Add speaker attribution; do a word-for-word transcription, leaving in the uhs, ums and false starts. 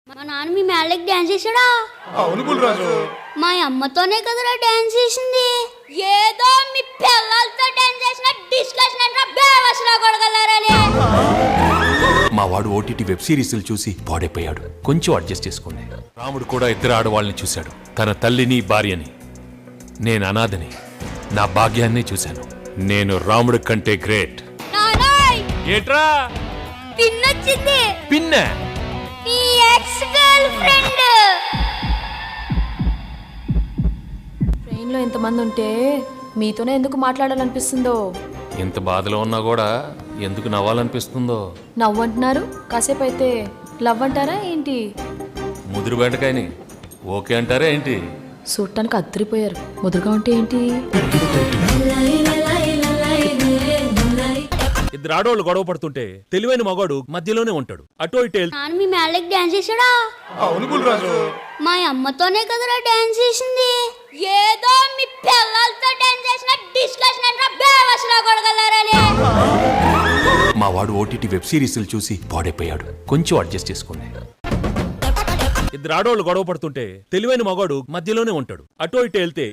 Speaker 1: మా నాన్న మీ మేళకి డాన్స్ చేశాడా?
Speaker 2: అవును బుల్రాజు.
Speaker 1: మా అమ్మతోనే కదరా డాన్స్ చేసింది. ఏదో మీ పిల్లలతో డాన్స్ చేసిన డిస్కషన్ అంటే బేవసలా కొడగలరని.
Speaker 3: మా వాడు ఓటీటీ వెబ్ సిరీస్లు చూసి పాడైపోయాడు. కొంచెం అడ్జస్ట్ చేసుకోండి. రాముడు కూడా ఇద్దరు ఆడవాళ్ళని చూశాడు, తన తల్లిని భార్యని. నేను అనాథని, నా భాగ్యాన్ని చూశాను. నేను రాముడి కంటే గ్రేట్.
Speaker 1: నానాయ్
Speaker 3: ఏట్రా
Speaker 1: పిన్నొచ్చింది.
Speaker 3: పిన్న
Speaker 1: మీ ఎక్స్ గర్ల్ ఫ్రెండ్.
Speaker 4: ట్రైన్లో ఎంతమంది ఉంటే మీతోనే ఎందుకు మాట్లాడాలనిపిస్తుందో.
Speaker 3: ఎంత బాధలో ఉన్నా కూడా ఎందుకు నవ్వాలనిపిస్తుందో.
Speaker 4: నవ్వు అంటున్నారు, కాసేపు అయితే లవ్ అంటారా ఏంటి?
Speaker 3: ముదురు బెండకాయని ఓకే అంటారా ఏంటి?
Speaker 4: చూడటానికి అద్దరిపోయారు, ముదురుగా ఉంటే ఏంటి?
Speaker 5: ఇద్దరు ఆడవాళ్ళు గొడవ పడుతుంటే తెలివైన మగాడు మధ్యలోనే ఉంటాడు. అటో ఇటు వెళ్తే
Speaker 1: నాన్న మీ మేళకి డాన్స్ చేశాడా?
Speaker 2: అవును బుల్రాజు.
Speaker 1: మా అమ్మతోనే కదరా డాన్స్ చేసింది. ఏదో మీ పిల్లలతో డాన్స్ చేసిన డిస్కషన్ అంటే బేవసలా కొడగలరని.
Speaker 3: మా వాడు ఓటీటీ వెబ్ సిరీస్లు చూసి పాడైపోయాడు. కొంచెం అడ్జస్ట్ చేసుకోండి.
Speaker 5: ఇద్దరు ఆడవాళ్ళు గొడవ పడుతుంటే తెలివైన మగాడు మధ్యలోనే ఉంటాడు. అటో ఇటు వెళ్తే